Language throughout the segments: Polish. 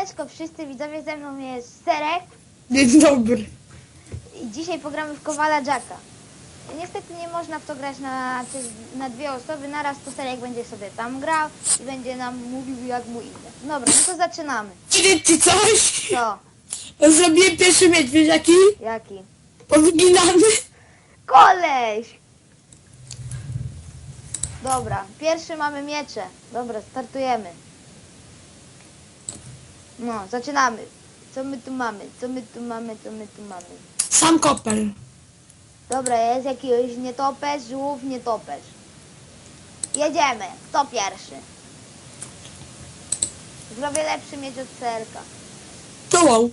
Siemaneczko wszyscy widzowie, ze mną jest Serek Dzień dobry. i dzisiaj pogramy w Kowala Jacka. Niestety nie można w to grać na dwie osoby, naraz to Serek będzie sobie tam grał i będzie nam mówił jak mu idzie. Dobra, no to zaczynamy. Powiedzieć ci coś? Co? Zrobiłem pierwszy miecz, wiesz jaki? Jaki? Podginany. Koleś! Dobra, pierwszy mamy miecze. Dobra, startujemy. No, zaczynamy. Co my tu mamy? Co my tu mamy? Co my tu mamy? Sam kopel. Dobra, jest jakiś nietoperz, żółw, nietoperz. Jedziemy. Kto pierwszy? Zrobię lepszy miecz od Serka. To wow.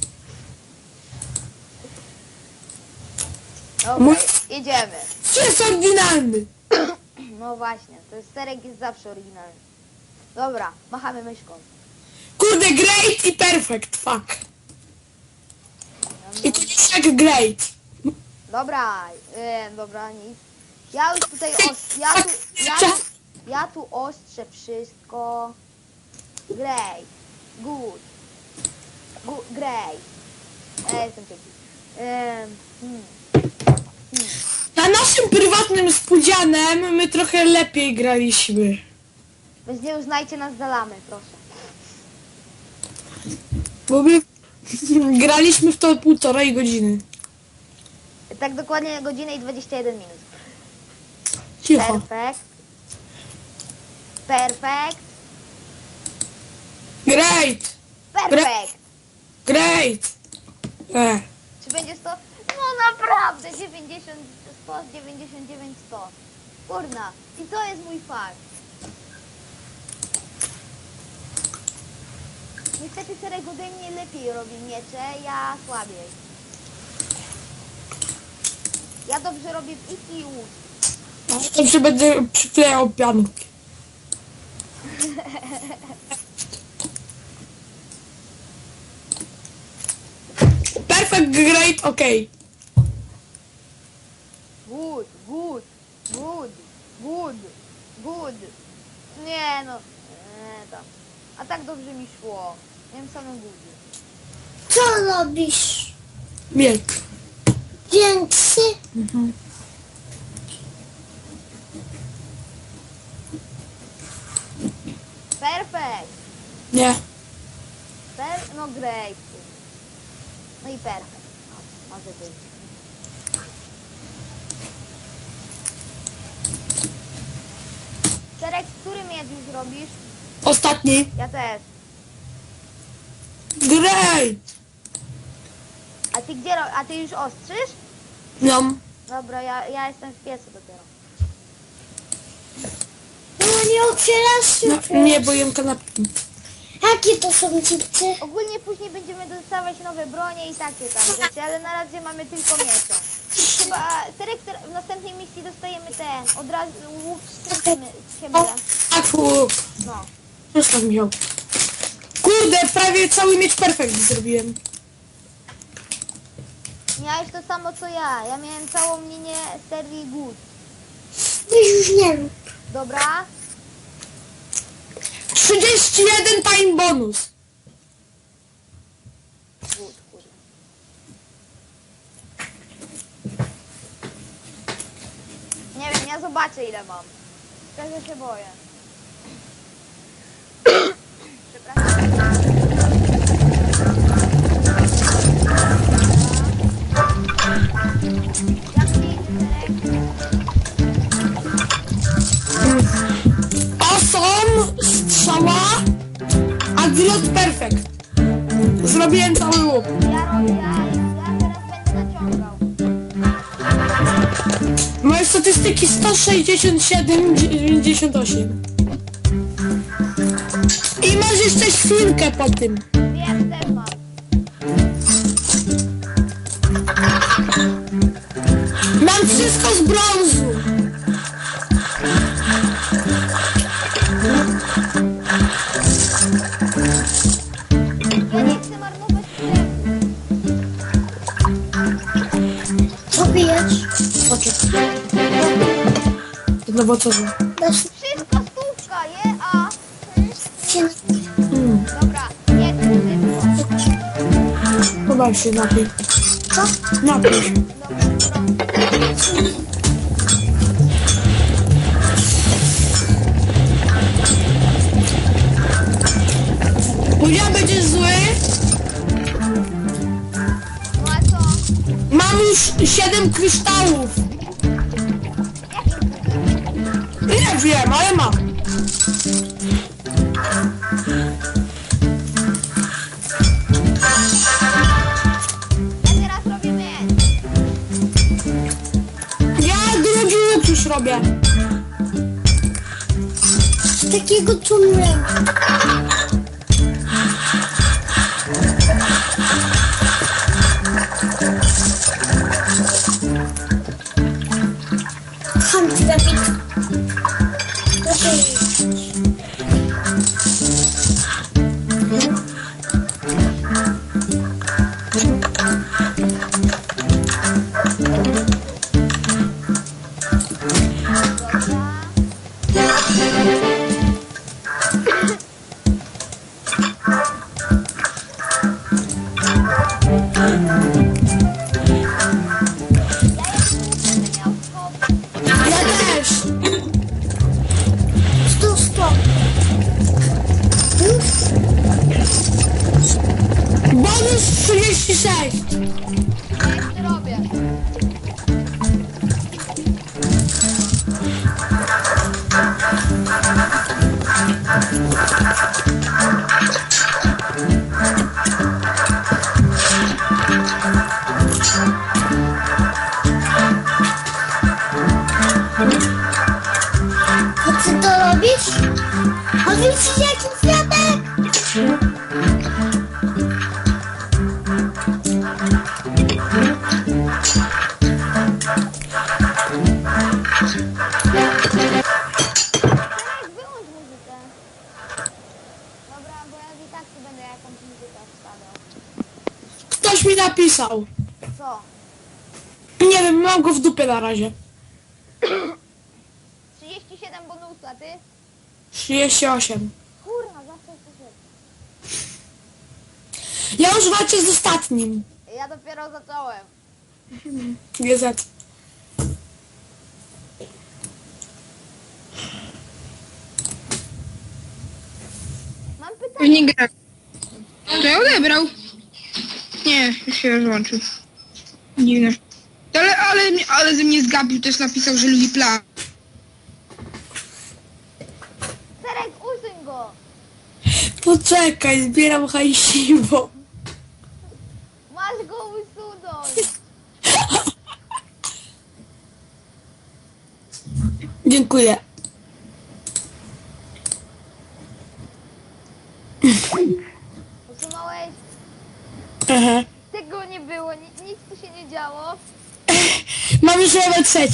Dobra, Mój- jedziemy. Jest oryginalny. No właśnie, to jest Serek jest zawsze oryginalny. Dobra, machamy myszką. Kurde, great i perfect, fuck. I to jest jak great. Dobra, dobra, nic. Ja już tutaj ja tu ostrzę wszystko. Great. Good. Great. Jestem piękny. Na naszym prywatnym spółdzianem my trochę lepiej graliśmy. Więc nie uznajcie nas za lamy, proszę. Bo my graliśmy w to 1,5 godziny. Tak dokładnie godzinę i 21 minut. Cicho. Perfekt. Perfekt. Great. Perfekt. Great. Czy będzie 100? No naprawdę, 90, 100, 99, 100. Kurna. I to jest mój fakt. Niestety Serek ode mnie lepiej robi miecze, ja słabiej. Ja dobrze robię w ich i łód. Dobrze będę przyklejał pianki. Perfect, great, okej. Good, good, good, good, good. Nie no. Tam. A tak dobrze mi szło. Miałem same budy. Co robisz? Miecz. Większy? Perfekt. Nie. No great. No i perfekt. O, może być. Serek, który miecz już robisz? Ostatni. Ja też. Great. A ty gdzie a ty już ostrzysz? No. Dobra, ja jestem w piecu dopiero. No nie otwierasz się. No nie, bo jem kanapki. Jakie to są chipsy? Ogólnie później będziemy dostawać nowe bronie i takie tam rzeczy, ale na razie mamy tylko miecze. Chyba Serek w następnej misji dostajemy te od razu łuk z siebie. O, tak, łuk. No. Zostaw mi ją. Kurde, prawie cały miecz perfekt zrobiłem. Miałeś to samo co ja. Ja miałem całą linię serii good. Weź już nie rób. Dobra? 31 time bonus. Good, kurde. Nie wiem, ja zobaczę ile mam. Szczerze się boję. Przepraszam. Jak ci idzie, Serek? Awesome, strzała, a grot perfekt. Zrobiłem cały łuk. Ja teraz będę naciągał. Moje statystyki 167, 98. I masz jeszcze świnkę po tym. Wiem, też mam. Mam wszystko z brązu. Ja nie chcę marnować sprzętu. Co pijesz? No bo co? Dasz Wszystko stówka, je? A? się Dobra, nie, Weź się napij. Co? Napij się. Budzia będzie zły. No a co? Mam już 7 kryształów. Nie wiem, ale mam. Ja teraz robię miecz. Ja drugi łuk już robię. Z takiego tunelu. Chodź, Dawid. Proszę iść. Ja też. Stop. Już? Bonus 36. Ja jeszcze robię. A ty to robisz? A widzisz jaki kwiatek? Teraz wyłącz muzykę. Dobra, bo ja i tak tu będę jakąś muzykę wstawiał. Ktoś mi napisał. Co? Nie wiem, mam go w dupie na razie. 37 bonusa, ty? 38. Kurna, zawsze coś jest. Ja już walczę z ostatnim. Ja dopiero zacząłem. GZ. Mam Już pytanie. nie gra. To ja odebrał. Nie, już się rozłączył. Dziwne. Ale ze mnie zgapił, też napisał, że lubi plan. Serek, usuń go. Poczekaj, zbieram hajsiwo. Masz go usunąć. Dziękuję. Usunąłeś? Aha. Tego nie było, nic tu się nie działo. Mam już level 3.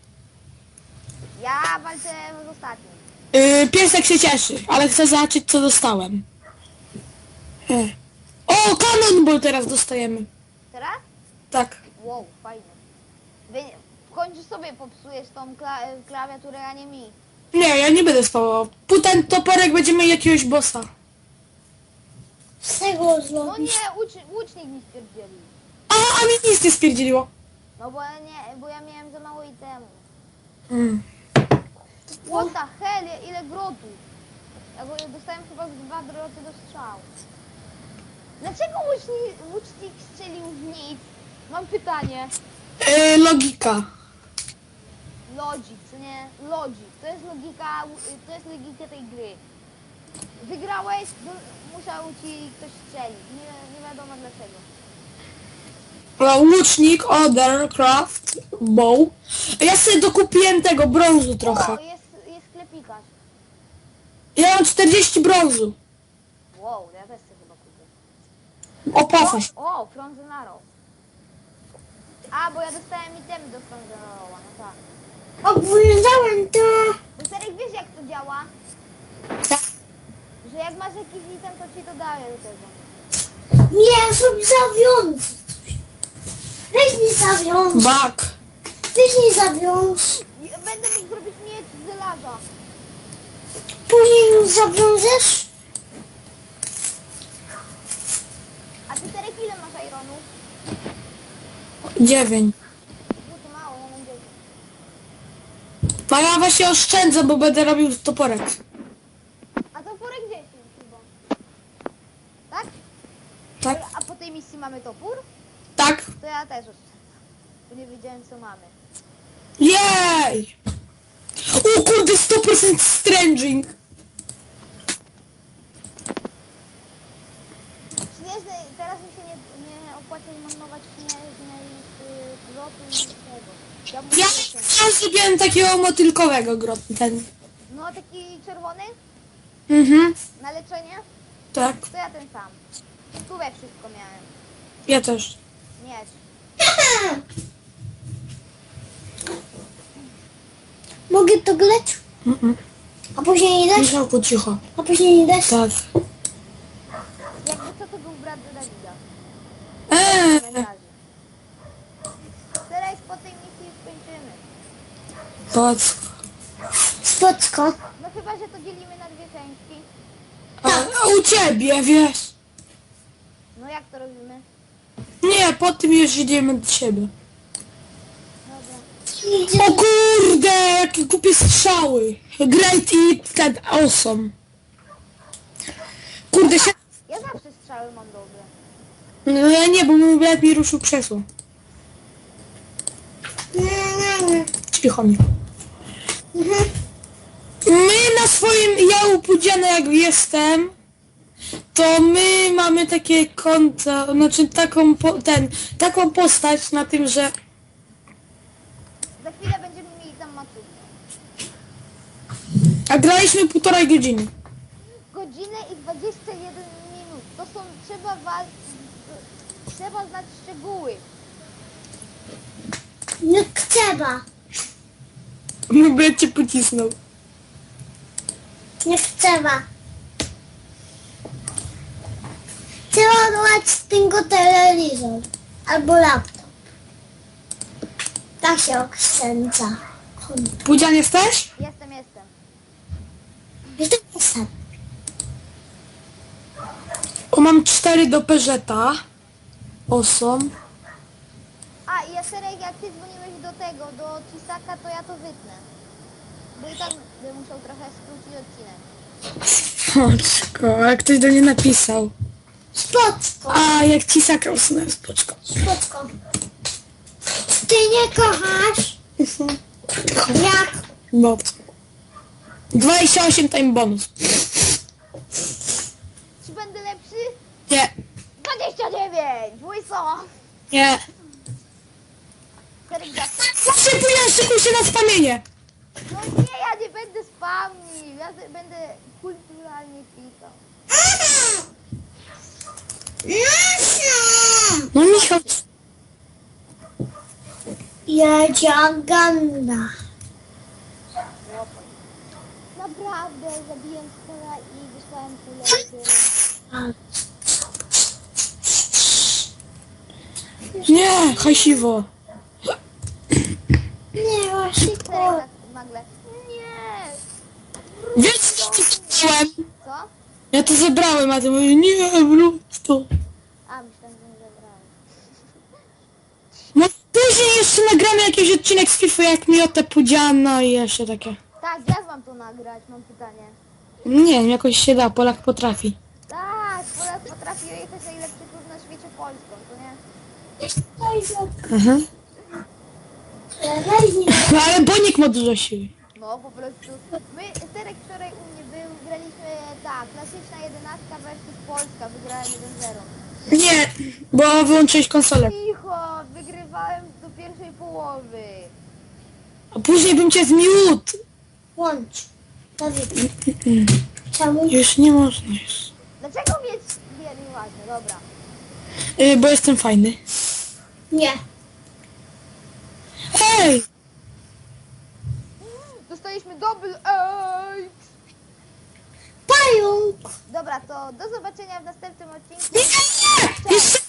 Ja walczę z ostatnim. Piesek się cieszy, ale chcę zobaczyć co dostałem. O, Cannonball teraz dostajemy. Teraz? Tak. Wow, fajnie. W końcu sobie popsujesz tą klawiaturę, a nie mi. Nie, ja nie będę spawał. Ten toporek będzie miał jakiegoś bossa. Z tego No zrobisz. nie, łucznik mi stwierdzili. A mi nic nie spierdzieliło. No bo bo ja miałem za mało itemu. Mm. What the hell, ile grotów? Ja dostałem chyba z 2 groty do strzału. Dlaczego łucznik strzelił w nic? Mam pytanie. Logika. Logik, co nie? Logik. To jest logika tej gry. Wygrałeś, musiał ci ktoś strzelić. Nie wiadomo dlaczego. Łucznik, Other, Craft, Bow. Ja sobie dokupiłem tego brązu trochę. O, jest sklepikarz. Ja mam 40 brązu. Wow, ja też chcę chyba kupię. Opłaca się. O, Frozen Arrow. A, bo ja dostałem itemy do Frozen Arrowa, no tak. Oglądałem to. To Serek, wiesz jak to działa? Tak. Że jak masz jakiś item, to ci to daje do tego. Nie, sobie zawiąż. Weź mi zawiąż. Bak. Weź mi zawiąż. Będę mógł zrobić miecz z żelaza. Później mi zawiążesz. A ty Serek ile masz ironu? 9. No to mało, ja mam 10. A ja właśnie oszczędzę, bo będę robił toporek. A to porek 10 chyba. Tak? Tak? A po tej misji mamy topór? Tak? To ja też oszczędzam. Bo nie wiedziałem co mamy. Jej! O kurde, 100% stranging. Śnieżny, teraz mi się nie opłaca marnować śnieżnej grotu i tego. Ja muszę Ja oszczędzać. zrobiłem takiego motylkowego ten. No taki czerwony Mhm, na leczenie? tak. To ja ten sam. Tu we wszystko miałem. Ja też. Nie. Mogę to grać? A później nie dać? Michał, po cicho. A później nie dać? Tak. Jakby co to był brat do Dawida. Eee, Teraz po tej misji już kończymy. patrz. Spocko. No chyba, że to dzielimy na dwie części. A u ciebie, wiesz? No jak to robimy? Nie, po tym już idziemy do siebie. Dobra. O kurde, jakie głupie strzały. Great i ten awesome. Kurde, się... Ja zawsze strzały mam dobre. No ja nie, bo mój brat mi ruszył krzesło. Cicho mi. My na swoim, ja upudziany jak jestem, to my mamy takie konto, znaczy taką, taką postać na tym, że Za chwilę będziemy mieli tam maturę. a graliśmy 1,5 godziny. Godzinę i 21 minut. To są, trzeba znać szczegóły. Nie trzeba. Mój brat cię pocisnął. Nie trzeba. Trzeba odłać z tego telewizor. Albo laptop. Tak się oszczędza. Pudzian jesteś? Jestem. Jestem. O, mam 4 do Peugeota. Awesome. A i Jaserek, jak ty dzwoniłeś do tego, do Cisaka, to ja to wytnę. Bo i tak bym musiał trochę skrócić odcinek. Spoczko, jak ktoś do mnie napisał. Spocko. A, jak ci sakał usunąłem, spoczko. Spocko. Ty nie kochasz? Jak? No. 28 time bonus. Czy będę lepszy? Nie, 29! Mój co? nie. Serek zawsze. Zawsze Pudzian, szykuj się na spamienie. No nie, ja nie będę spamnił. Ja będę kulturalnie klikał. No Michał, Jadzia-ganda. Naprawdę, zabiłem skola i wysłałem kulę. nie, hajsiwo. Nie, właśnie Serek tak nagle. Nie! Wiesz, co ci chciałem? Co? Ja to zebrałem, a ty mówisz, nie, wróć to. A, myślałem, że nie zabrałem. No później jeszcze nagramy jakiś odcinek z FIFA, jak miotę Pudziana i jeszcze takie. Tak, jak mam to nagrać? Mam pytanie. Nie wiem, jakoś się da, Polak potrafi. Tak, Polak potrafi jechać najlepszy klub na świecie Polską, to nie? Aha. Weź No ale Bonik ma dużo siły. No, po prostu. My, Serek wczoraj u mnie był, graliśmy, tak, klasyczna 11 versus Polska, wygrałem 1-0. Nie, bo wyłączyłeś konsolę. Cicho, wygrywałem do pierwszej połowy. A później bym cię zmiótł. Łącz. Dawid. Czemu? Już nie można już. Dlaczego mieć... Nie, nieważne, dobra. Bo jestem fajny. Nie. Ej! Dostaliśmy double X. Pająk. Dobra, to do zobaczenia w następnym odcinku. Nie, nie, nie! Jeszcze